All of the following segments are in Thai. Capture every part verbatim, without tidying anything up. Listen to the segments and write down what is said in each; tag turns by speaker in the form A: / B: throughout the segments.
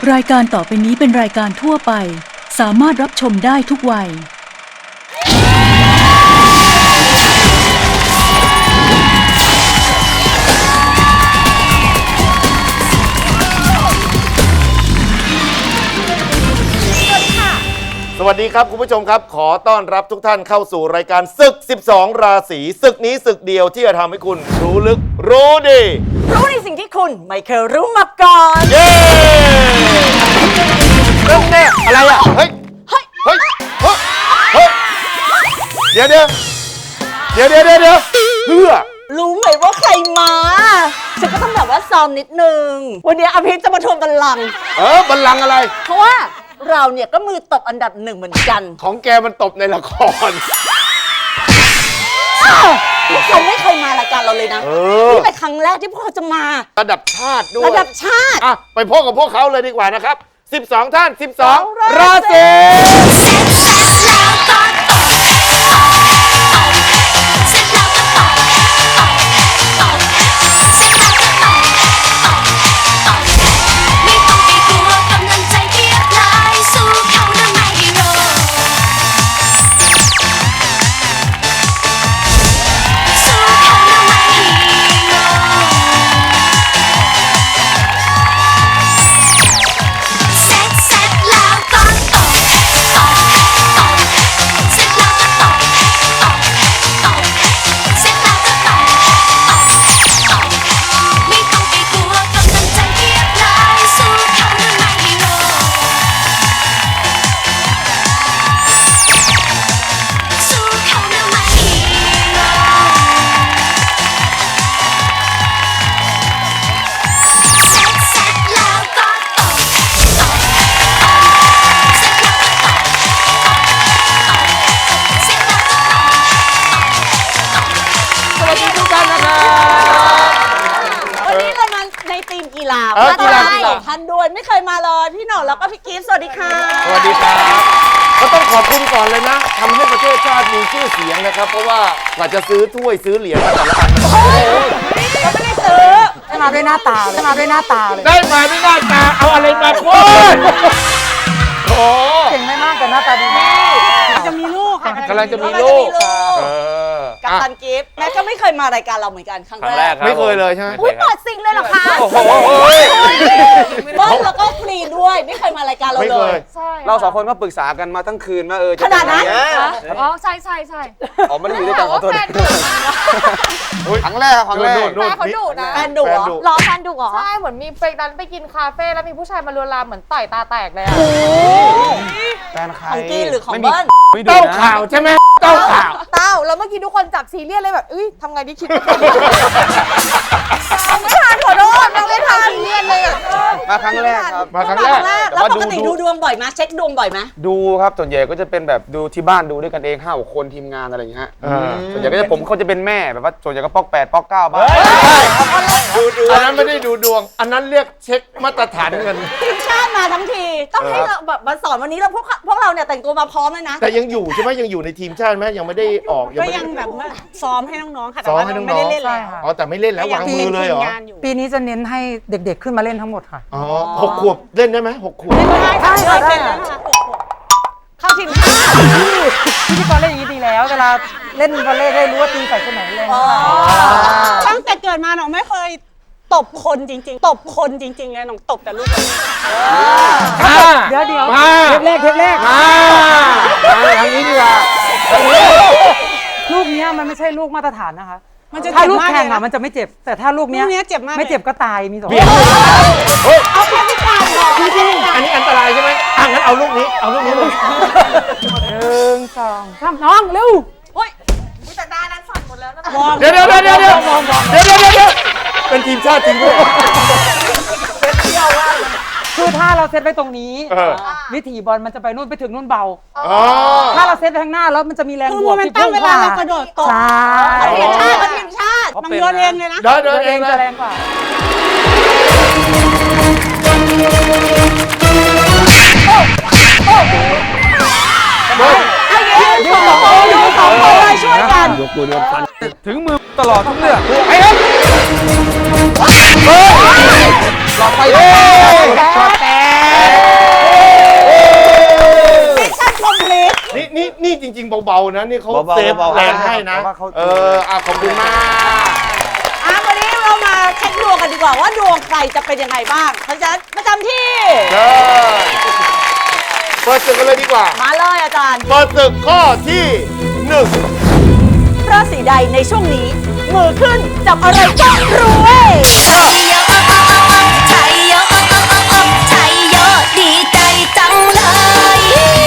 A: รายการต่อไปนี้เป็นรายการทั่วไปสามารถรับชมได้ทุกวัย
B: สวัสดีครับคุณผู้ชมครับขอต้อนรับทุกท่านเข้าสู่รายการศึกสิบสองราศีศึกนี้ศึกเดียวที่จะทำให้คุณรู้ลึกรู้ดี
C: รู้ในสิ่งที่คุณไม่เคยรู้มาก่อน
B: เย้เริ่มแน่อะไรอ่ะเฮ้ยเฮ้ยเฮ้ยเฮ้ยเดี๋ยวเดี๋ยวเดี๋ยวเดี๋ยวเดี๋ยวเดี๋ยวเพื่อ
C: รู้ไหมว่าใครมาฉันก็ต้องแบบว่าซ้อมนิดนึงวันนี้อภิษจะมาทวงบัลลังก์
B: เออบัลลังก์อะไร
C: เพราะว่าเราเนี่ยก็มือตบอันดับหนึ่งเหมือนกัน
B: ของแกมันตบในละคร
C: เขาไม่เคยมารายการเราเลยนะนี่เป็นครั้งแรกที่พวกเขาจะมา
B: ระดับชาติด้วย
C: ระดับชาติ
B: อ่ะไปพบกับพวกเขาเลยดีกว่านะครับสิบสองท่านสิบสองราศี
C: มาต้อนรับสองท่านด้วยไม่เคยมาเลยพี่หน่องแล้วก็พี่กิ๊ฟสวัสดีค่ะ
B: สวัสดีครับก็ต้องขอบคุณก่อนเลยนะทำให้ประเทศชาติมีชื่อเสียงนะครับเพราะว่ากว่าจะซื้อถ้วยซื้อเหรียญมาแต่ละอัน
C: โอ้ยก็ไม่ได้ซื้อ
D: ได้มาด้วยหน้าตาเลยได้มาด้วยหน้าตาเลย
B: ได้มาด้วยหน้าตาเอาอะไรมาพูดโอ้
D: เก่งไม่มากแต่หน้าตาดีมาก
C: จะมีลูกค่ะ
B: กำลังจะมีลูก
C: กับตันกิฟต์แม่ก็ไม่เคยมารายการเราเหมือนกันครั้งแรก
B: ไม่เคยเลยใช่ไหม
C: อุ้ยเปิดซิงเลยเหรอคะ
B: โอ้โห
C: เบิ้ลแล้วก็ฟรีด้วยไม่เคยมารายการเราเลย
E: เราสองคนก็ปรึกษากันมาทั้งคืนว่าเออ
C: ขนาดนั้น
D: อ๋อใช่ใช่ใช่
E: อ๋อไม่ได้อยู่ด้วยกันขอโทษครั้งแรกครั้งแรก
D: แฟนเขาดุนะ
C: แฟนดุเหรอรอแฟนดุเหรอ
D: ใช่เหมือนมีไปนั้นไปกินคาเฟ่แล้วมีผู้ชายมาลวนลามเหมือนต่อยตาแตกเลยอะ
E: แฟนใคร
C: ของกี้หรือของเบิ้ล
B: เต้าข่าวใช่ไหมเต้าข่าว
D: เต้าแล้วเมื่อกี้ทุกคนจับซีเรียสเลยแบบเอ้ยทำไงดีคิดไม่ทันขอโทษเราไม่ทันซีเรียสเลย
E: มาครั้งแรกครับ
B: มาครั้งแรก
C: แล้วปกติดูดวงบ่อยไหมเช็คดวงบ่อยไหม
E: ดูครับส่วนใหญ่ก็จะเป็นแบบดูที่บ้านดูด้วยกันเองห้าหกคนทีมงานอะไรอย่างเงี้ยส่วนใหญ่ก็จะผมเขาจะเป็นแม่แบบว่าส่วนใหญ่ก็ปอกแปดปอกเก้าบ้าง
B: ดูดวงอันนั้นไม่ได้ดูดวงอันนั้นเรียกเช็คมาตรฐานเงิน
C: ทีมชาติมาทั้งทีต้องให้เราแบบมาสอนวันนี้เราพวกพวกเราเนี่ยแต่งตัวมาพร้อมเลยนะ
B: แต่ยังอยู่ใช่ไหมยังอยู่ในทีมชาติไหมยังไม่ได้ออก
C: ก็ยังแบบซ้อมให้น้องๆค่ะแต่ว่าไม่ได้เล่นเลย
B: อ๋อแต่ไม่เล่นแล้ววางมือเลยเหรอ
D: ปีนี้จะเน้นให้เด็กๆขึ้นมาเล่นทั้งหมดค่ะ
B: อ๋อหกขวบเล่นได้ไหมหกขวบ
C: ได้ได้ได้เข้าทีมชาติ
D: พิธีกรเล่นอย่างนี้ดีแล้วเวลาเล่นวอลเลย์ได้รู้ว่าตีใส่คนไหนเล่น
C: ตั้งแต่เกิดมาหนูไม่เคยตบคนจริงๆตบคนจริงๆเลยหนูตบแต่ลูก
D: เดี๋ยวเดี๋ยวเทปแรกเทปแรก
B: มาทางนี้ดีกว่า
D: ลูกนี้มันไม่ใช่ลูกมาตรฐานนะคะถ้าลูกแข่งอะมันจะไม่เจ็บแต่ถ้าลูกนี้ไม่เจ็บก็ตายมีสอง
C: เอาแค่พิการพอ
B: จริงๆอันนี้อันตรายใช่ไหมอ่ะงั้นเอาลูกนี้เอาลูกนี้เลย
D: หนึ่งสองสามน้องเร็ว
C: โอ้ยแต่ด้านนั้นสั่นหมดแล้วนะ
B: เดี๋ยวเดี๋ยวเดี๋ยวเดี๋ยวเดี๋ยวเดี๋ยวเดี๋ยวเดี๋ยวเป็นทีมชาติจริงด้วย
D: คือถ้าเราเซตไปตรงนี้วิถีบอลมันจะไปนู่นไปถึงนู่นเบาถ้าเราเซตไปข้างหน้าแล้วมันจะมีแรงบวกที่พุ่งกว่า
C: กระโดดตกทีมชาติทีมชาติมันโยนเองเลยนะ
B: เดินเอง
D: จะแรงกว่า
C: ยืนสองคนยืนสองคนเลยช่วยกัน
E: ยกมือเดินฟัน
B: ถึงมือตลอดทุกเรื่อง
E: ไอ้เฮ้ยหลอดไฟช็อตแตก
B: นี่เขา
E: เบาๆ
B: เซฟ
E: เบาๆ
B: แรงให้นะ
E: เพราะว่าเขา
B: เอออ่ะขอบคุณมาก
C: อ่ะวันนี้เรามาเช็คดวงกันดีกว่าว่าดวงใครจะเป็นยังไงบ้างเพราะฉะนั้นประจำที่
B: เชิญเปิดศึกกันเลยดีกว่า
C: มาเลยอาจารย์
B: เปิดศึกข้อที่หนึ่ง
C: ราศีใดในช่วงนี้มือขึ้นจับอะไรก็รวยชัยโยชัยโยชัยโยดีใจจังเลย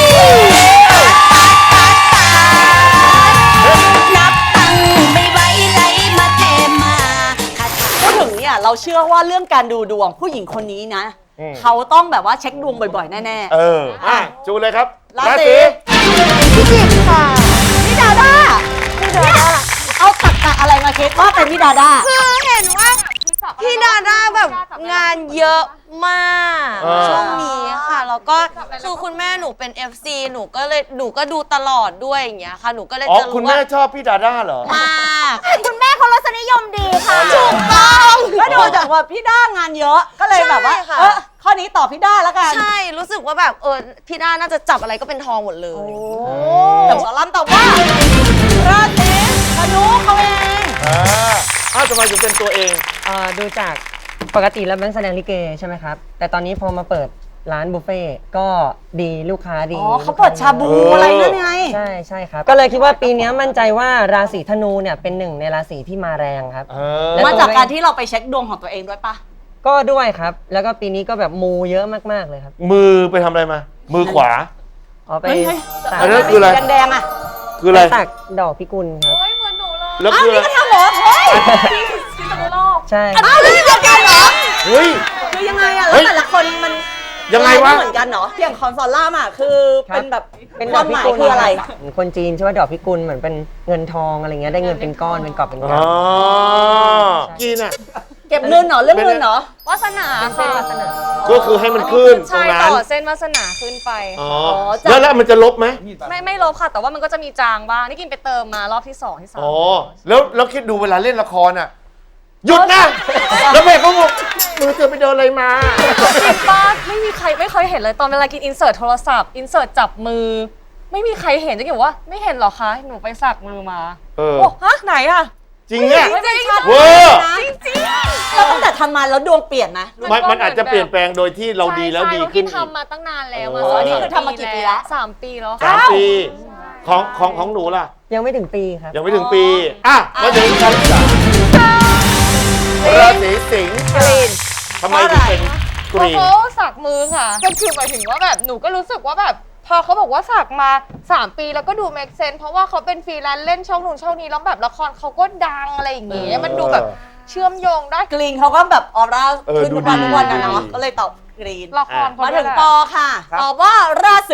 C: นับตังไม่ไหวไหลมาเทมาพูดถึงเนี่ยเราเชื่อว่าเรื่องการดูดวงผู้หญิงคนนี้นะ เขาต้องแบบว่าเช็คดวงบ่อยๆ แน่ๆ
B: เอออ่ะจูเลยครับ
C: ราศีพิจิกค่ะพี่ดาด้าพี่ดาด้าเอาตักกะอะไรมาคิดว่าเป็นพี่ดาด้า
F: คือเห็นว่าพี่ดาด้าแบบงานเยอะมาก
B: อ่า
F: ช่วงนี้ค่ะแล้วก็คือคุณแม่หนูเป็น เอฟ ซี หนูก็เลยหนูก็ดูตลอดด้วยอย่างเงี้ยค่ะหนูก็เลย
B: อ๋อ
F: จะ
B: คุณ
F: รู้
B: แม่
F: ว่า
B: ชอบพี่ดาด้าเหรอ
F: มากคุณแม่เขารสนิยมดีค่ะ
C: ถูกต้องก็ดูจากว่าพี่ด้างานเยอะก็เลยแบบว่า
F: ใช่ค่ะ
C: เออข้อนี้ตอบพี่ด้าแล้วกัน
F: ใช่รู้สึกว่าแบบเออพี่ด้าน่าจะจับอะไรก็เป็นทองหมดเลย
C: แต่สอนรามตอบว่าราศีธนูเขาเอง
B: อ่าอ้าวทำไมถึงเป็นตัวเอง
G: เอ่อดูจากปกติแล้วแบงค์แสดงลิเกใช่ไหมครับ แต่ตอนนี้พอมาเปิดร้านบุฟเฟ่ต์ก็ดีลูกค้าดี
C: อ๋อเขาเปิดชาบู
B: เอออ
C: อะไรนั่นไง
G: ใช่ใช่ครับ ก็เลยคิดว่าปีนี้มั่นใจว่าราศีธนูเนี่ยเป็นหนึ่งในราศีที่มาแรงครับ
B: เออ
G: แล้ว
C: มาจากการที่เราไปเช็คดวงของตัวเองด้วยปะ
G: ก็ด้วยครับ แล้วก็ปีนี้ก็แบบมูเยอะมากๆเลยครับ
B: มือไปทำอะไรมา มือขวา
G: อ๋อไป
C: เฮ้ยเฮ้ย
G: สัก
B: อันนั้นคืออะไร
C: แดงๆอ่ะ
B: คืออะไร
G: ไปสักดอกพิกุลครับ
B: แล้ว
C: อ้าว
B: คืออะไร
C: นี่ก็ทำเหรอเฮ้ย
G: ใช่
C: อ้าวนี่เดียวกันเหรอ
B: เฮ้ย
C: คือยังไงอะ
B: เฮ้
C: แล้ว
B: ย
C: แต่ละคนมัน
B: ยังไงวะ
C: ม่เหมือนกันเนาะอย่างคอนซอลล่ามอะคือเป็นแบบ
G: เป็น
C: ค
G: ดอ
C: วาก ม
G: พิ
C: หมาย
G: กุล
C: คืออะไร
G: เหมือนคนจีนใช่ไหมดอกพิกุลเหมือนเป็นเงินทองอะไรเงี้ยได้เงินเป็นก้อนเป็นกอบเป็นก
B: อ๋อ
G: ำ
B: กินอ่ะ
C: เก็บเงินเหรอเรื่องเงินเหรอ
F: วาสนา
G: เป็น
F: ค่ะ
G: ลักษณะ
B: ก็คือให้มันขึ้นตร
F: ใช่
B: งนั้
F: ต่
B: น
F: อเส้นวาสนาขึ้นไป
B: อ๋อ
C: จ้ะ
B: แล้วแล้วมันจะลบไหม
F: ไม่ไม่ลบค่ะ แต่ว่ามันก็จะมีจางบ้างนี่กินไปเติมมารอบที่สองที่สาม
B: อ๋อ แล้วแล้วคิดดูเวลาเล่นละครอ่ะ หยุดนะ แล้วแม่เขาบอกมือเธอไปโดนอะไรมา
F: จริงป้าไม่มีใครไม่เคยเห็นเลยตอนเวลากินอินเสิร์ตโทรศัพท์อินเสิร์ตจับมือ ไม่มีใครเห็นจะเกี่ยวว่าไม่เห็นหรอคะหนูไปสักมือมา
B: เออ
F: โอ้ฮะไหนอะ
B: จริงเนี่ย
F: จริง
B: เวอร์
F: จริงจริง
C: แล้วตั้งแต่ทำมาแล้วดวงเปลี่ยนไหม
B: มันมันอาจจะเปลี่ยนแปลงโดยที่เราดีแล้วดีขึ้น
F: ใช่ใช่เพราะกิน
B: อีก
F: ทำมาตั้งนานแล้วมา
B: โอ้
F: สอน
C: นี่คือทำมากี่ปีแล้ว
F: สามปีแล้ว
B: สามปี ของของของหนูล่ะ
G: ยังไม่ถึงปีครับ
B: ยังไม่ถึงปี อ่ะมาถึงคำสามราศีสิงห์
F: กรีน
B: ทำไมถึงเป็นกรีน
F: เขาสักมือค่ะก็คือหมายถึงว่าแบบหนูก็รู้สึกว่าแบบพอเขาบอกว่าสักมาสามปีแล้วก็ดู make sense เพราะว่าเขาเป็นฟรีแลนซ์เล่นช่องนู่นช่องนี้แล้วแบบละครเขาก็ดังอะไรอย่างเงี้ยมันดูแบบเชื่อมโยงได้
C: กรีนเขาก็แบบออร่า
B: เออ
C: ขึ้น
B: ดู
C: ทุกวัน
B: ดี
C: ทุกวันนะ
B: ดู
C: เนาะ
B: ดี
C: ก็เลยตอบกรีน
F: ละครเขา
C: มา
F: ด้
C: ถึ
F: วย
C: ง
F: แหละ
C: ปอค่ะตอบว่าราศี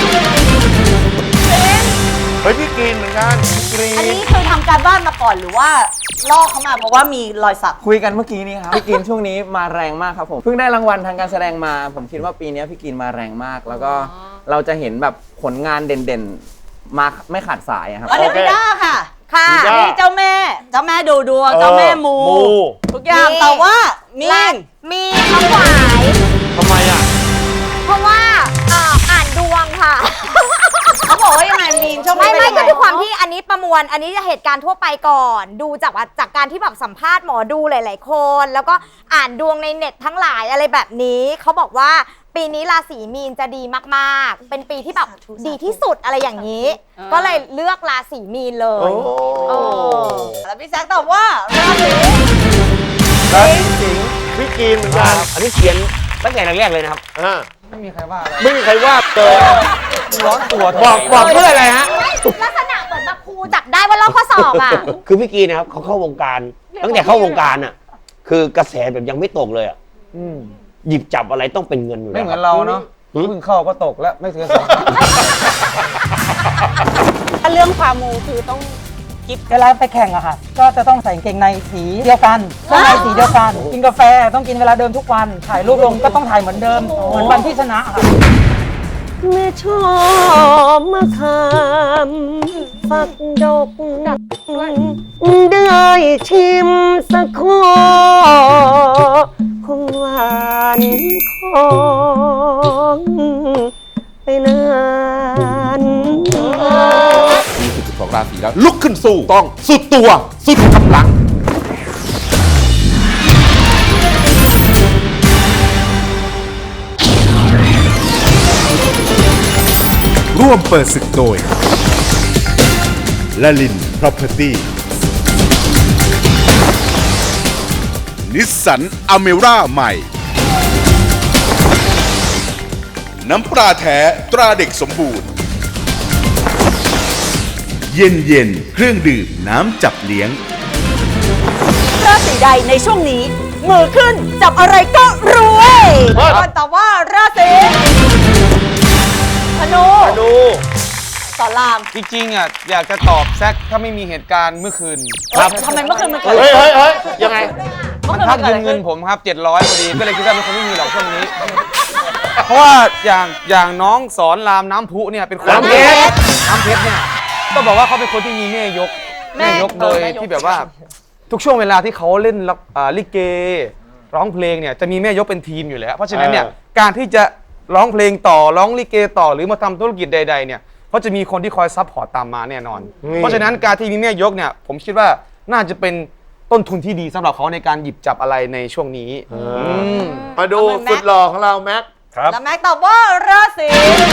B: เฮ้ยพี่กรีนเหมือนกันกรี
C: อัน
B: น
C: นี้คือทำการบ้านมาก่อนหรือว่าลอกเขามาเพราะว่ามีรอยสัก
H: คุยกันเมื่อกี้นี้ครับ พี่กินช่วงนี้มาแรงมากครับผมเพิ่งได้รางวัลทางการแสดงมา ผมคิดว่าปีนี้พี่กินมาแรงมาก แล้วก็เราจะเห็นแบบผลงานเด่นๆ มาไม่ขาดสายอะครับ
C: อันนี้พี่ด้าค่ะ ค่ะ
B: พี่ด้า
C: นี่เจ้าแม่ เจ้าแม่ดูดวง เจ้าแม่มู
B: มู
C: ทุกอย่าง
F: มี
C: แต่ว่ามี
F: และมีคำหวาย
B: ทำไมอ่ะ
F: เพราะว่าเอ่ออ่านดวงค่ะ
C: เขาบอกว่ายังไงมีนเจ้าแม่
I: ไม่ไม่
C: เป็น
I: ก็
C: ยังง
I: ด้วยความที่อันนี้ประมวลอันนี้จะเหตุการณ์ทั่วไปก่อน ดูจากว่าจากการที่แบบสัมภาษณ์หมอดูหลาย ๆ คน แล้วก็อ่านดวงในเน็ตทั้งหลายอะไรแบบนี้เขาบอกว่าปีนี้ราศีมีนจะดีมากๆ เป็นปีที่แบบดีที่สุดอะไรอย่างนี้ ก็เลยเลือกราศีมีนเล
B: โอ้
I: ย
C: โอ้แล้วพี่แซคตอบว่าราศี
B: ราศีสิงห์พี่กรีนเหมือนกัน
E: อันนี้เขียนตั้งแต่แรกๆเลยนะครับ
B: อ่า
H: ไม่มีใครว่าอะไร
B: ไม่มีใครว่าเลย
H: ร้อนตัว
B: บอกบอกเพื่ออะไรฮะ
I: ลักษณะเหมือนแบบครูจับได้ว่าลอกข้อสอบอ่ะ
E: คือพี่กีนะครับเขาเข้าวงการ ตั้งแต่เข้าวงการอ่ะ คือกระแสแบบยังไม่ตกเลยอ่ะ
H: อืม
E: หยิบจับอะไรต้องเป็นเงินอยู่
H: ไม่
E: แล้ว
H: เหมือน
E: ค
H: เรา
E: บ
H: เนาะ
E: หืม
H: เพิ่งเข้าก็ตกแล้วไม่ถึงสอง
C: ถ้าเรื่องความมูคือต้อง
D: เวลาไปแข่งอะค่ะ ก็จะต้องใส่กางเกงในสีเดียวกันเสื้อในสีเดียวกัน กินกาแฟต้องกินเวลาเดิมทุกวัน ถ่ายรูปลงก็ต้องถ่ายเหมือนเดิม เหมือนวันที่ชนะค่ะ
G: แม่ชอบมะขามฝักดกได้ชิมสักคอคงหวานของไปนาน
J: องราศีแล้วลุกขึ้นสู้ต้องสุดตัวสุดกำลังร่วมเปิดศึกโดยละลิน Property นิสสันอเมร่าใหม่น้ำปลาแท้ตราเด็กสมบูรณ์เย็นเย็นเครื่องดื่มน้ำจับเลี้ยง
C: ราศีใดในช่วงนี้ มือขึ้นจับอะไรก็รวยก่อนตอบว่าราศีธนู
B: ธนู
C: สอนราม
E: จริงๆอ่ะอยากจะตอบแซกถ้าไม่มีเหตุการณ์เมื่อคืน
C: ครับทำไมเมื่อคืนมันเกิด
B: เฮ้ยเฮ้ยเฮ้ยยังไง
E: มันทักยืมเงินผมครับเจ็ดร้อยพอดีก็เลยคิดว่ามันคงไม่มีหรอกช่วงนี้ เพราะว่าอย่างอย่างน้องสอนรามน้ำพุเนี่ยเป็นคน
B: น้ำเพชร
E: น้ำเพชรเนี่ยก็บอกว่าเขาเป็นคนที่มีแม่ยกแม่ยกโดยที่แบบว่าทุกช่วงเวลาที่เขาเล่นละอ่าลิเกร้องเพลงเนี่ยจะมีแม่ยกเป็นทีมอยู่แล้วเพราะฉะนั้นเนี่ยการที่จะร้องเพลงต่อร้องลิเกต่อหรือมาทำธุรกิจใดๆเนี่ยเขาจะมีคนที่คอยซัพพอร์ตตามมาแน่นอน เพราะฉะนั้นการที่มีแม่ยกเนี่ยผมคิดว่าน่าจะเป็นต้นทุนที่ดีสำหรับเขาในการหยิบจับอะไรในช่วงนี้ม
B: มาดูสุดหล่อของเราแม็ก
C: แล้วแม็กตอบว่าราศี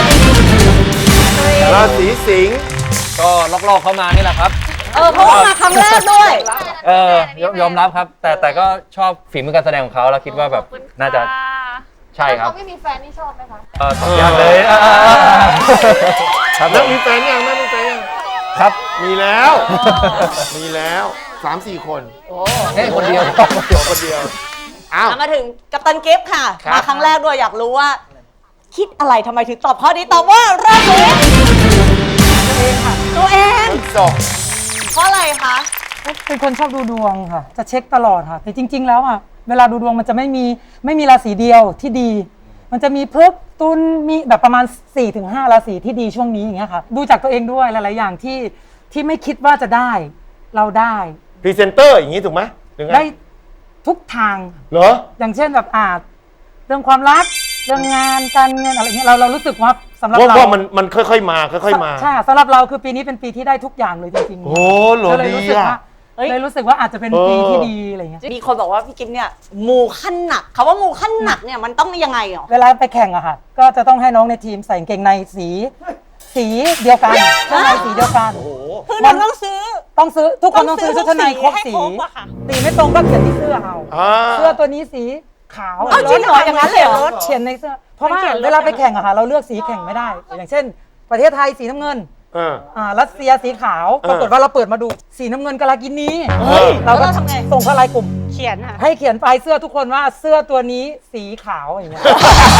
B: ราศีสิงห์
K: ก็ลอกๆเข้ามานี่แหละครับ
C: เออเพราะว่ามาครั้งแรกด้วย
K: เออยอมยอมรับครับ แต่แต่ก็ชอบฝีมือการแสดงของเขาแล้วคิดว่าแบบน่าจะใช่ครับ
F: เขาไม่มีแฟนนี่ชอบไหมคะ
K: เออตอบยากเลยอ่าครับ
B: แล้วมีแฟนยังแม่มีแฟนยัง
K: ครับ
B: มีแล้ว มีแล้วสามสี่คน
K: แค่คนเดียว
B: คนเดียวอ้าว
C: มาถึงกัปตันกิฟต์ค่ะ
B: ครับ
C: มาครั้งแรกด้วยอยากรู้ว่า คิดอะไรทำไมถึงตอบข้อนี้ตอบว่าราศีตัวเองค่ะ ตัวเอง
B: สอง
C: เพราะอะไรคะ
D: เป็นคนชอบดูดวงค่ะ จะเช็คตลอดค่ะ แต่จริง ๆ แล้วอ่ะเวลาดูดวงมันจะไม่มีไม่มีราศีเดียวที่ดี มันจะมีพฤกษ์ตุลมีแบบประมาณ สี่ถึงห้า ราศีที่ดีช่วงนี้อย่างเงี้ยค่ะดูจากตัวเองด้วยหลายๆอย่างที่ที่ไม่คิดว่าจะได้เราได้
B: พรีเซนเตอร์อย่างนี้ถูกไหมหรือไง
D: ได้ทุกทาง
B: เหรอ
D: อย่างเช่นแบบอาจเรื่องความรักเรื่องงานการเงินอะไรเงี้ยเราเรารู้สึกว่าสำหรับ
B: ว่า
D: เรา
B: ว่ามันมันค่อยๆมาค่อยๆมา
D: ใช่สำหรับเราคือปีนี้เป็นปีที่ได้ทุกอย่างเลยจริงๆ
B: โอ้โห
D: ก็เลย
B: ดี
D: รู้สึก
B: อ่ะ
D: ว่าเลยรู้สึกว่าอาจจะเป็นปีที่ดีอะไรเงี้ย
C: มีคนบอกว่าพี่กิฟต์เนี่ยมูขั้นหนักคำว่ามูขั้นหนักเนี่ยมันต้องยังไงอ่ะ
D: เวลาไปแข่งอะค่ะ ก็จะต้องให้น้องในทีมใส่กางเกงในสี สีเดียวกันเสื้อในสีเดียวกัน
C: คือเราต้องซื้อ
D: ต้องซื้อทุกคนต้องซื้อชุดชั้นในครบสีสีไม่ตรงก็เขียนที่เสื้อเอา
B: อ่า
D: เสื้อตัวนี้สีขาว
C: เอาจริงเหรออย่างนั้นเลยเหรอ
D: เขียนในเสื้อเพราะว่าเวลาไปแข่งอะค่ะเราเลือกสีแข่งไม่ได้ อย่างเช่น ประเทศไทยสีน้ำเงิน
B: เออ
D: อ่ารัสเซียสีขาว
B: เออ
D: ปรากฏว่าเราเปิดมาดูสีน้ำเงินกาลากินี
B: เฮ้ย
D: เราก็
C: แล้วเราทำไง
D: ส่งเข้าไลน์กลุ่ม
C: เขียนค่ะ
D: ให้เขียนปลายเสื้อทุกคนว่าเสื้อตัวนี้สีขาวอย่างเงี้ย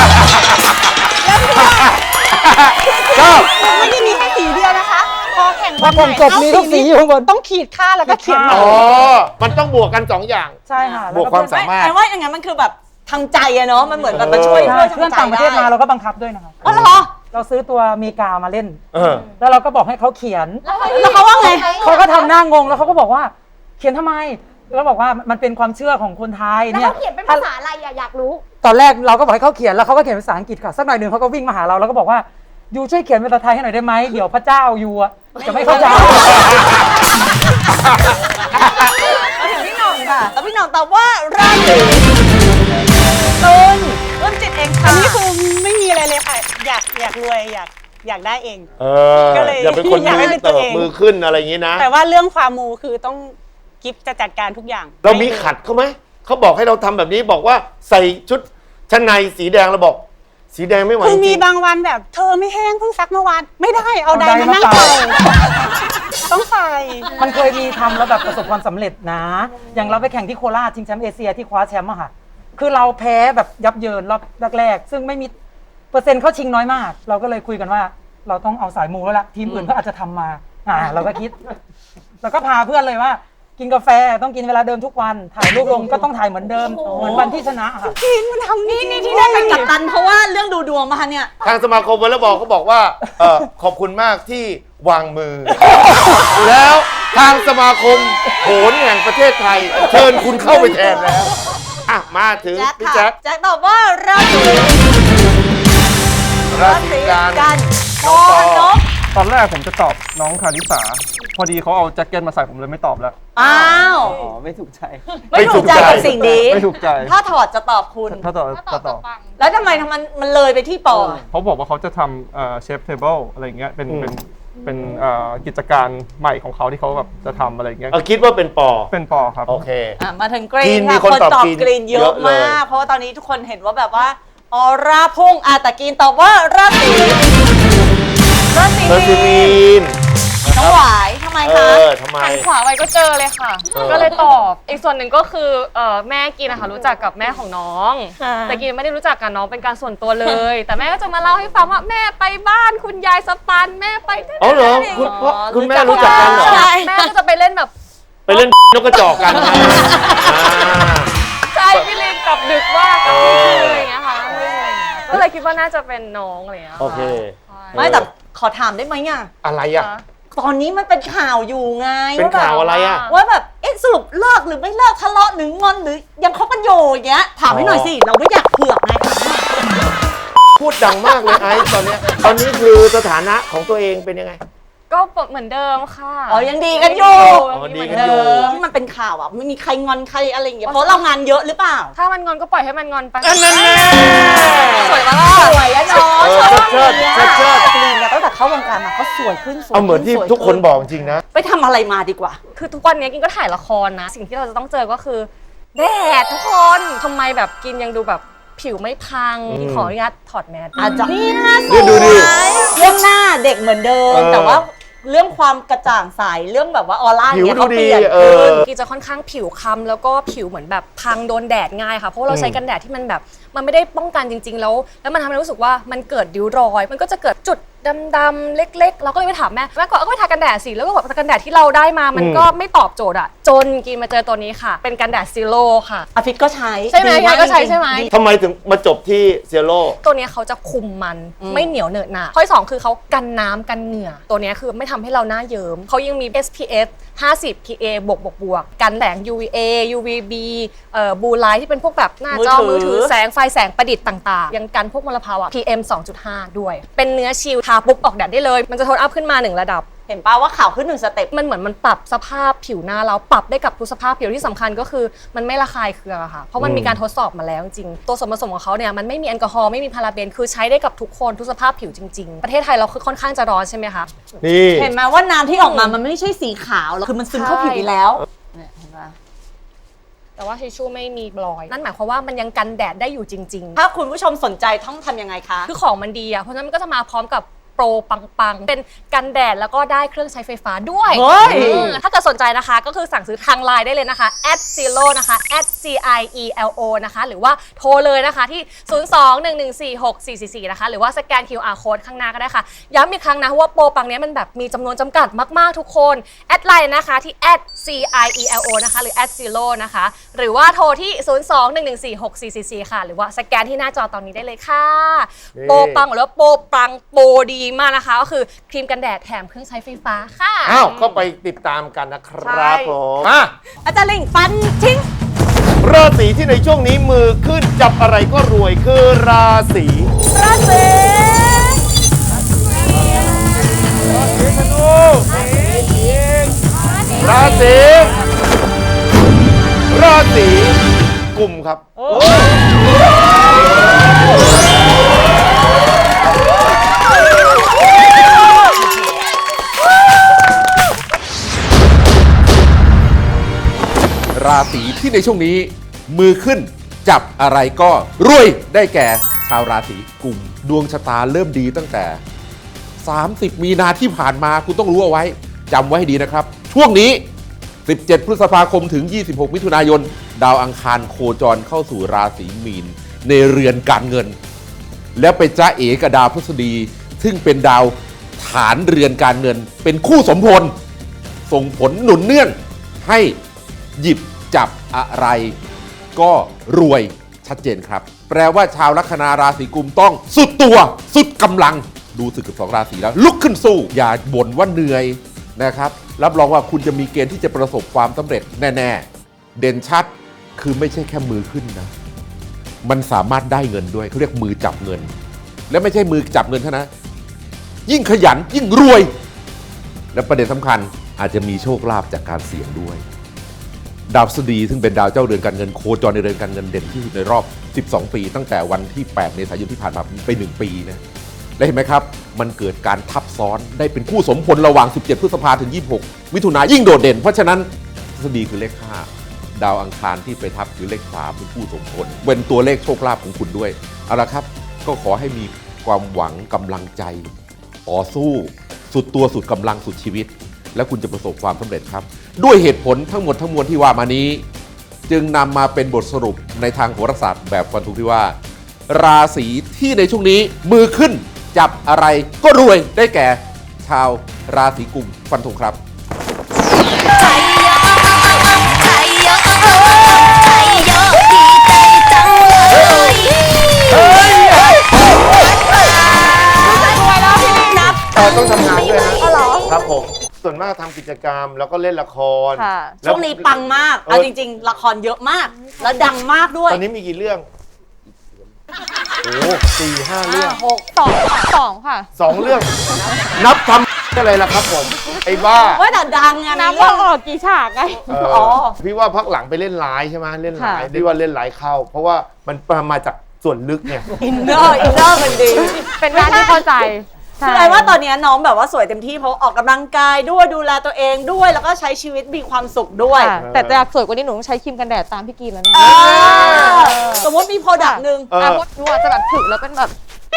B: ก็
C: ไม่ได้มีแค่สีเดียวนะคะ พอแข่ง
D: พอแข่งจบมีทุกสีอยู่ข้างบน
C: ต้องขีดค่าแล้วก็เขียน
B: อ๋อ มันต้องบวกกันสองอย่าง
D: ใช่ค่ะ
B: บวกความสามารถ
C: ไอ้ว่าอย่างนั้นมันคือแบบทางใจอะเนาะมันเหมือนแบบมาช่วย
D: ใช่
C: ช่วย
D: เพื่อน
C: ทางใจ
D: ต่างประเทศมา
C: ได้
D: เราก็บังคับด้วยนะคะ
C: อ๋อเหรอ
D: เราซื้อตัวอเมริกามาเล่น
B: เออ
D: แล้วเราก็บอกให้เขาเขียน
C: แล้วเขาว่าไง
D: เขาก็ทำหน้างงแล้วเขาก็บอกว่า เขียนทำไมแล้วบอกว่ามันเป็นความเชื่อของคนไทย
I: แล้ว
D: เนี่ย
I: เขาเขียนเป็นภาษาอะไรอะอยากรู้
D: ตอนแรกเราก็บอกให้เขาเขียนแล้วเขาก็เขียนภาษาอังกฤษค่ะสักหน่อยหนึ่งเขาก็วิ่งมาหาเราแล้วก็บอกว่ายูช่วยเขียนเป็นภาษาไทยให้หน่อยได้ไหมเดี๋ยวพระเจ้ายูอะจะไม่เข้าใจ
C: มาถึงพี่หน่องค่ะแล้วพี่หน่องตอบว่าราศีตุลต้นจิตเองค่ะ
L: อันนี้คือไม่มีอะไรเลยค่ะ อยากอยากรวยอยากอยากได้เอง
B: เออ
L: ก็เลย
B: อย่าเป็นคน
L: อยากให้
B: มื
L: เป็
B: อน
L: ตัว
B: เติบ
L: เอง
B: มือขึ้นอะไรอย่างนี้นะ
L: แต่ว่าเรื่องความมูคือต้องกิฟจะจัดการทุกอย่าง
B: เรามีขัดเขาไหม เขาบอกให้เราทำแบบนี้บอกว่าใส่ชุดชั้นในสีแดงเราบอก สีแดงไม่ไหว
L: คือมี
B: จริง
L: บางวันแบบเธอไม่แห้งเพิ่งซักเมื่อวานไม่ได้เอาได
D: เอาได
L: มา
D: มา
L: นั่ง
D: เป่า
L: เป่าต้องใส่
D: มันเคยมีทำแล้วแบบประสบความสำเร็จนะ อย่างเราไปแข่งที่โคราชชิงแชมป์เอเชียที่คว้าแชมป์อะค่ะ คือเราแพ้แบบยับเยินรอบแรกๆซึ่งไม่มีเปอร์เซ็นต์เข้าชิงน้อยมาก เราก็เลยคุยกันว่า เราต้องเอาสายมูแล้วล่ะทีมอื่นก็อาจจะทำมา อ่า เราก็คิด แล้วก็พาเพื่อนเลยว่า กินกาแฟต้องกินเวลาเดิมทุกวัน ถ่ายรูปลงก็ต้องถ่ายเหมือนเดิม เหมือนวันที่ชนะค่ะ
L: กินมันทำนี่
C: นี่ที่ได้เป็นกัปตันเพราะว่าเรื่องดูดวงมาเนี่ย
B: ทางสมาคมวอลเลย์บอลเขาบอกว่าเออขอบคุณมากที่วางมือ แล้วทางสมาคมโหนแห่งประเทศไทย เชิญคุณเข้าไปแทนแล้ว อ่ะ มาถึง
C: แจ็ค
B: พี่
C: ค่ะ
B: แจ็ค
C: แจ็คตอบว่าราศี
B: ราศีกัน
C: กัน
B: น้องปอ
C: นก
M: ตอนแรกผมจะตอบน้องคาริสาพอดีเขาเอาแจ็คเก็ตมาใส่ผมเลยไม่ตอบแล้ว
L: อ้าว
H: อ๋อไม่ถูกใจ
L: ไม่ถูกใจกับสิ่งนี้
M: ไม่ถูกใจ
L: ถ้าถอดจะตอบคุณ
M: ถ้าตอบจะตอบ
L: แล้วทำไมทำมันมันเลยไปที่ปอ
M: เขาบอกว่าเขาจะทำเชฟเทเบิลอะไรเงี้ยเป็นเป็นเป็นเอ่อกิจการใหม่ของเขาที่เขาแบบจะทำอะไรเงี้ย
B: เอาคิดว่าเป็นปอ
M: เป็นปอครับ
B: โอเค
L: อ่ะมาถึงกรี
B: กรี
L: น
B: นมี
L: ค่ะ
B: คน
L: คน
B: ตอบ
L: ตอบ
B: กรีน
L: กรีนเย
B: เย
L: อะ
B: อะเลย
L: มาก เพราะว่าตอนนี้ทุกคนเห็นว่าแบบว่าออร่าพุ่งอาตะกรีนตอบว่าราศีราศี
B: ราศีมีน
L: น้องหวายทำไม
B: เอ
L: คะ
B: อทำไม
F: หันขวาไว้ก็เจอเลยค่ะ
B: เออ
F: ก็เลยตอบ อีกส่วนหนึ่งก็คือเอ่อแม่กินนะคะรู้จักกับแม่ของน้อง
L: ค่ะ
F: แต่กินไม่ได้รู้จักกับน้องเป็นการส่วนตัวเลย แต่แม่ก็จะมาเล่าให้ฟังว่าแม่ไปบ้านคุณยายสปันแม่ไปที่
B: อ๋อเหรอคุณพ่อคุณแม่รู้จักกันเหรอ
F: ใช่แม่ก็จะไปเล่นแบบ
B: ไปเล่นนกกระจอกกันไงอ่า
F: ใช่พี่ลิงกลับดึกมากกลับดึกอะไรอย่างเงี้ยค่ะก็เลยคิดว่าน่าจะเป็นน้องอะไรอย่างเงี้ย
B: โอเค
L: ไม่แต่ขอถามได้ไหมอ่ะ
B: อะไรอ่ะ
L: ตอนนี้มันเป็นข่าวอยู่ไง
B: เป็นข่าวอะไรอ่ะ
L: ว่าแบบเอ๊ะสรุปเลิกหรือไม่เลิกทะเลาะหรืองอนหรือยังคบกันอยู่อย่างเงี้ยถามให้หน่อยสิเราไม่อยากเผือกไง
B: พูดดังมากเลยไอซ์ตอนเนี้ยตอนนี้คือสถานะของตัวเองเป็นยังไง
F: ก็เหมือนเดิมค่ะ
L: อ๋อยังดีกันอยู่
B: อ๋อดีกันอยู่
L: ที่มันเป็นข่าวอ่ะไม่มีใครงอนใครอะไรอย่างเงี้ยเพราะเรางานเยอะหรือเปล่า
F: ถ้ามันงอนก็ปล่อยให้มันงอนไป
B: อันนั้นแน่
F: สวยปะ
L: ส
F: ล่ะ
L: วยอะเนาะ
B: เออ
L: ชอบ
B: เชิด
L: อย่าง
B: เชิ
L: เงี้ย
B: ดเชิด
L: กรีนเนี่ยตั้งแต่เข้าวงการมาเขาสวยขึ้นสวย
B: เอาเหมือนที่
L: สวย
B: ทุกคนบอกจริงนะ
L: ไปทำอะไรมาดีกว่า
F: คือทุกวันนี้กินก็ถ่ายละครนะ สิ่งที่เราจะต้องเจอก็คือแดดทุกคนทำไมแบบกินยังดูแบบผิวไม่พัง
B: อืม
F: ขออนุญาตถอดแมส
L: อาจจะนี่นะส
B: เนี่
L: วย
B: ดูดิ
L: เรื่องหน้าเด็กเหมือนเดิม
B: เออ
L: แต่ว่าเรื่องความกระจ่างใสเรื่องแบบว่าออร่า
B: ผิว
L: เนี่ย
B: ดู
L: เขาเป
B: ดี
L: ลี่ยน
B: เอ
L: ขึ้น
B: อ
F: กินจะค่อนข้างผิวคล้ำแล้วก็ผิวเหมือนแบบพังโดนแดดง่ายค่ะเพราะว่าเราใช้กันแดดที่มันแบบมันไม่ได้ป้องกันจริง ๆ แล้ว แล้วมันทำให้รู้สึกว่ามันเกิดริ้วรอย มันก็จะเกิดจุดดำๆเล็กๆเราก็เลยไปถามแม่แม่ก็เอาก็ไปทากันแดดสิแล้วก็บอกกันแดดที่เราได้มามันก็ไม่ตอบโจทย์อะจนกินมาเจอตัวนี้ค่ะเป็นกันแดดซีโร่ค่ะ
L: อภิษก็ใช้
F: ใช่ไหม
L: ดีาก
F: ก็ใช้
L: จริงๆ
F: ใช่ไหม
L: ดี
B: ทำไมถึงมาจบที่เซโร่
F: ตัวเนี้ยเขาจะคุมมัน
L: อืม
F: ไม่เหนียวเหนอะหนะข้อที่สองคือเขากันน้ำกันเหงื่อ ตัวเนี้ยคือไม่ทำให้เราหน้าเยิ้มเขายังมี เอส พี เอฟ ห้าสิบ พี เอ บวกบวกบวกกันแสง ยู วี เอ ยู วี บี เอ่อบูไลท์ที่เป็นพวกแบบหน้าจอมือถือแสงไฟแสงประดิษฐ์ต่างๆ ยังกันพวกมลภาวะ พี เอ็ม สองจุดห้า ด้วย เป็นเนื้อชิลทาปุ๊บออกแดดได้เลย มันจะโทนอัพขึ้นมาหนึ่งระดับ
L: เห็นป่าว่าข่าวขึ้นหนึ่งสเต็ป
F: มันเหมือนมันปรับสภาพผิวหน้าเราปรับได้กับทุกสภาพผิวที่สำคัญก็คือมันไม่ระคายเคืองอะค่ะเพราะมันมีการทดสอบมาแล้วจริงๆตัวส่วนผสมของเขาเนี่ยมันไม่มีแอลกอฮอล์ไม่มีพาราเบนคือใช้ได้กับทุกคนทุกสภาพผิวจริงๆ ประเทศไทยเราคือค่อนข้างจะร้อนใช่ไหมคะ
B: นี่
L: เห็นไหมว่าน้ำที่ออกมามันไม่ใช่สีขาวหรอกคือมันซึมเข้าผิวอยู่แล้วเนี่ยเห็นปะ
F: แต่ว่าทิชชู่ไม่มีรอย นั่นหมายความว่ามันยังกันแดดได้อยู่จริง
L: ถ้าคุณผู้ชมสนใจต้องทำยังไงคะ
F: ๆ คือของมันดีอะเพราะฉะนั้นมันก็จะมาพร้อมกับโปรปังๆ เป็นกันแดดแล้วก็ได้เครื่องใช้ไฟฟ้าด้วย
L: เฮ้ย
F: อืมถ้าเกิดสนใจนะคะก็คือสั่งซื้อทางไลน์ได้เลยนะคะ แอท ซีโร่ นะคะ แอท ซี ไอ อี แอล โอ นะคะหรือว่าโทรเลยนะคะที่ ศูนย์ สอง หนึ่ง หนึ่ง สี่ หก สี่ สี่ สี่ นะคะหรือว่าสแกน คิว อาร์ Code ข้างหน้าก็ได้ค่ะ ย้ำอีกครั้งนะว่าโปรปังเนี้ยมันแบบมีจำนวนจำกัดมากๆทุกคน แอดไลน์นะคะที่ แอท ซี ไอ อี แอล โอ นะคะหรือ แอท ซีโร่ นะคะหรือว่าโทรที่ ศูนย์ สอง หนึ่ง หนึ่ง สี่ หก สี่ สี่ สี่ ค่ะหรือว่าสแกนที่หน้าจอตอนนี้ได้เลยค่ะ
B: นี่
F: โปรปังหรือว่าโปรปังโปรดีมากนะคะก็คือครีมกันแดดแถมเครื่องใช้ไฟฟ้าค่ะ
B: อ้าวก็ไปติดตามกันนะครับผมอ่ะ
L: อาจารย์ลิงฟันทิ้ง
B: ราศีที่ในช่วงนี้มือขึ้นจับอะไรก็รวยคือราศี
L: ราศี
B: ราศีราศีกุมครับ
J: ราศีที่ในช่วงนี้มือขึ้นจับอะไรก็รวยได้แก่ชาวราศีกุมดวงชะตาเริ่มดีตั้งแต่สามสิบมีนาที่ผ่านมาคุณต้องรู้เอาไว้จำไว้ให้ดีนะครับ ช่วงนี้สิบเจ็ดพฤษภาคมถึงยี่สิบหกมิถุนายนดาวอังคารโคจรเข้าสู่ราศีมีนในเรือนการเงิน แล้วไปจ้าเอกับดาวพฤษฎีซึ่งเป็นดาวฐานเรือนการเงินเป็นคู่สมพลส่งผลหนุนเนื่องให้หยิบจับอะไรก็รวยชัดเจนครับ แปลว่าชาวลัคนาราศีกุมต้องสุดตัวสุดกำลังดูสึกกับสองราศีแล้วลุกขึ้นสู้อย่าบ่นว่าเหนื่อยนะครับรับรองว่าคุณจะมีเกณฑ์ที่จะประสบความสำเร็จแน่ๆเด่นชัดคือไม่ใช่แค่มือขึ้นนะมันสามารถได้เงินด้วยเขาเรียกมือจับเงิน และไม่ใช่มือจับเงินเท่านั้นยิ่งขยันยิ่งรวย และประเด็นสำคัญอาจจะมีโชคลาภจากการเสี่ยงด้วย ดาวพฤหัสบดีซึ่งเป็นดาวเจ้าเรือนการเงินโคจรในเรือนการเงินเด่นที่สุดในรอบสิบสองปีตั้งแต่วันที่แปดเมษายนที่ผ่านมาไปหนึ่งปีนะและเห็นไหมครับมันเกิดการทับซ้อนได้เป็นคู่สมพลระหว่างสิบเจ็ดพฤษภาถึงยี่สิบหกมิถุนายนยิ่งโดดเด่นเพราะฉะนั้นพฤหัสบดีคือเลขห้าดาวอังคารที่ไปทับคือเลขสามเป็นคู่สมพลเป็นตัวเลขโชคลาภของคุณด้วยเอาละครับก็ขอให้มีความหวังกำลังใจต่อสู้สุดตัวสุดกำลังสุดชีวิตและคุณจะประสบความสำเร็จครับด้วยเหตุผลทั้งหมดทั้งมวลที่ว่ามานี้จึงนำมาเป็นบทสรุปในทางโหราศาสตร์แบบฟันธงที่ว่าราศีที่ในช่วงนี้มือขึ้นจับอะไรก็รวยได้แก่ชาวราศีกุมฟันธงครับ
B: ต้องทำงานด้วยนะครับผมส่วนมากทำกิจกรรมแล้วก็เล่นละคร
L: ช่วงนี้ปังมากเอาจริงๆละครเยอะมากแล้วดังมากด้วย
B: ตอนนี้มีกี่เรื่องโอ้สี่ห้าเรื่อง
F: หกสองค่ะสองค่ะ
B: สองเรื่อง นับทำอะไรล่ะครับผมไอ้บ้า
L: ว่าแต่ดังไง
F: นับว่าออกกี่ฉากไง
B: อ๋อพี่ว่าพักหลังไปเล่นร้ายใช่ไหมเล่นร้ายพี่ว่าเล่นร้ายเข้าเพราะว่ามันมาจากส่วนลึกไง
L: อินเนอร์อินเนอร์มันดี
F: เป็นงานที่เข้าใจ
L: คือไอ้ว่าตอนนี้น้องแบบว่าสวยเต็มที่เพราะออกกำลังกายด้วยดูแลตัวเองด้วยแล้วก็ใช้ชีวิตมีความสุขด้วย
F: แต่อยากสวยกว่านี้หนูต้องใช้ครีมกันแดดตามพี่กีนแล้วเนี่ย
L: สมมติมีโปรดักต์หนึ่ง
F: อ่ะมดหนูอาจจะแบบถึกแล้วเป็นแบบ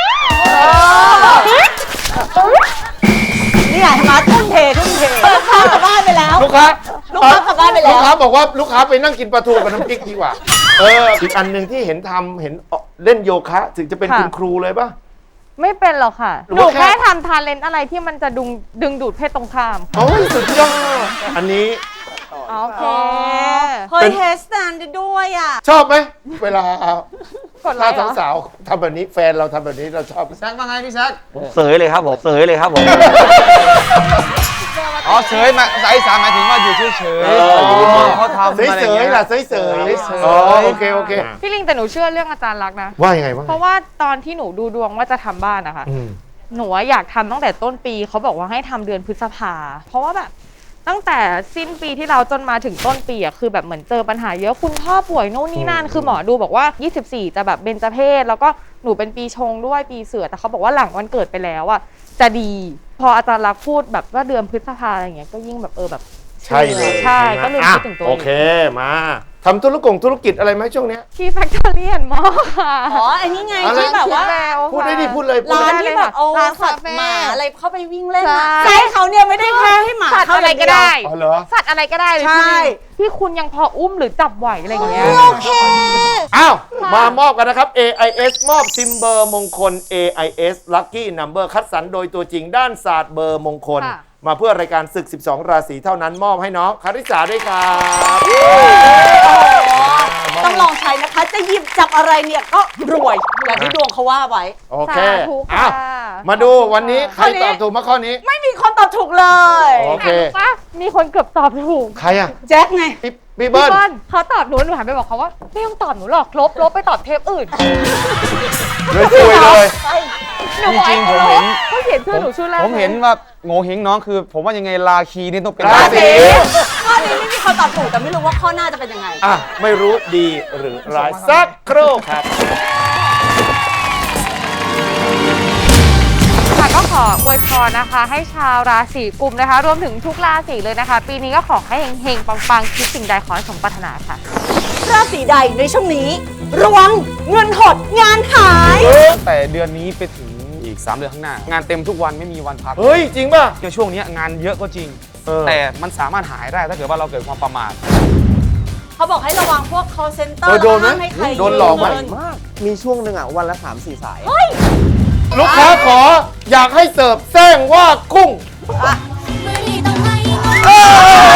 L: นี่ไงมาทุ่มเททุ่มเทลูกค้ากลับบ้านไปแล้ว
B: ลูกค้า
L: ลูกค้ากลับบ้านไปแล้ว
B: ลูกค้าบอกว่าลูกค้าไปนั่งกินปลาทูกับน้ำพริกดีกว่าเอออีกอันหนึ่งที่เห็นทำเห็นเล่นโยคะถึงจะเป็นคุณครูเลยป่ะ
F: ไม่เป็นหรอกค่ะหนูแค่ทำทาเลนต์อะไรที่มันจะดึงดึงดูดเพศตรงข้าม
B: โอ้ยสุดยอดอันนี้
F: โอเค
L: เฮ้ยเฮสแตนด์ด้วยอ่ะ
B: ชอบไหมเวลาถ้าสาวๆทำแบบนี้แฟนเราทำแบบนี้เราชอบ
E: พี่แซคว่าไงพี่แซค
H: เสยเลยครับผมเสยเลยครับผม
E: อ๋อเสยมาสายสามหมายถึงว่าอยู่เฉยเฉยเขาทำ
B: เสยเสยล่ะเสยเสยอ๋อโอเคโอเค
F: พี่ลิงแต่หนูเชื่อเรื่องอาจารย์รักนะ
B: ว่ายังไงบ้าง
F: เพราะว่าตอนที่หนูดูดวงว่าจะทำบ้านนะคะหนูอยากทำตั้งแต่ต้นปีเขาบอกว่าให้ทำเดือนพฤษภาเพราะว่าแบบตั้งแต่สิ้นปีที่เราจนมาถึงต้นปีอ่ะคือแบบเหมือนเจอปัญหาเยอะคุณพ่อป่วยโน่นนี่นั่นคือหมอดูบอกว่ายี่สิบสี่จะแบบเบญจเพศแล้วก็หนูเป็นปีชงด้วยปีเสือแต่เขาบอกว่าหลังวันเกิดไปแล้วอ่ะจะดีพออาจารย์รักพูดแบบว่าเดือนพฤษภาอะไรอย่างเงี้ยก็ยิ่งแบบเออแบบ
B: ใช่เลย
F: ใช่ก็เลยคิดถึงตัวเอง
B: โอเคมาทำธุรกงธุรกิจอะไรไหมช่วงเนี้ย
F: ที่แฟคทอรี่แอนด์มอลล์ค่ะ
L: อ๋ออันนี้ไงที่แบบว่า
B: พูดได้ดิพูดเลย
L: ร้านที่แบบเอาสัตว์หมาอะไรเข้าไปวิ่งเล่นนะใช่เขาเนี่ยไม่ได้แค่ให้หมา
F: เข้าอะไรก็ได้
B: อ๋อเหรอ
F: สัตว์อะไรก็ได้เลย
L: ใช่
F: ที่คุณยังพออุ้มหรือจับไหวอะไรอย่างเงี้ย
L: โอเค
B: อ้าวมามอบกันนะครับ เอ ไอ เอส มอบซิมเบอร์มงคล เอ ไอ เอส Lucky Number คัดสรรโดยตัวจริงด้านศาสตร์เบอร์มงคลมาเพื่อรายการศึกสิบสองราศีเท่านั้นมอบให้น้องคาริสาด้วยครับ
L: ต้องลองใช้นะคะจะหยิบจับอะไรเนี่ยก็รวยอย่างที่ดวงเขาว่าไว้
B: โอเคอ้าวมาดูวันนี้ใครตอบถูกมาข้อนี้
L: ไม่มีคนตอบถูกเลย
B: โอเค
F: มีคนเกือบตอบถูก
B: ใครอ่ะ
L: แจ็คไง
B: พี่เบิ้ล
F: เขาตอบหนูหนูหันไปบอกเขาว่าไม่ต้องตอบหนูหรอกลบลบไปตอบเทปอื่น
B: เลยช่วยเลย
E: จริงๆผมเห็น
F: เขาเขียนชื่อหนูชื่อแรก
E: ผมเห็นว่าโง่เฮงน้องคือผมว่ายังไงราคีนี่ต้องเป็น
B: ราศี
L: ข้อนี้ไม่มีคนตอบถูกแต่ไม่รู้ว่าข้อหน้าจะเป็นยังไง
B: อ่ะไม่รู้ดีหรือร้ายสักครู่ครับ
F: ค่ะก็ขออวยพรนะคะให้ชาวราศีกุมนะคะรวมถึงทุกราศีเลยนะคะปีนี้ก็ขอให้เฮงๆปังๆคิดสิ่งใดขอให้สมปรารถนาค่ะ
L: ราศีใดในช่วงนี้ระวังเงินหดงานหาย
E: แต่เดือนนี้ไปถึงอีกสามเดือนข้างหน้างานเต็มทุกวันไม่มีวันพัก
B: เฮ้ยจริงป่ะ
E: ในช่วงนี้งานเยอะก็จริงแต่มันสามารถหายได้ถ้าเกิดว่าเราเกิดความประมาท
L: เขาบอกให้ระวังพวก call center
B: โดนไหมโดนหลอกไหม
H: มีช่วงหนึ่งอ่ะวันละ สามสี่ สาย
B: ลูกค้าขออยากให้เสิร์ฟแซงว่ากุ้ง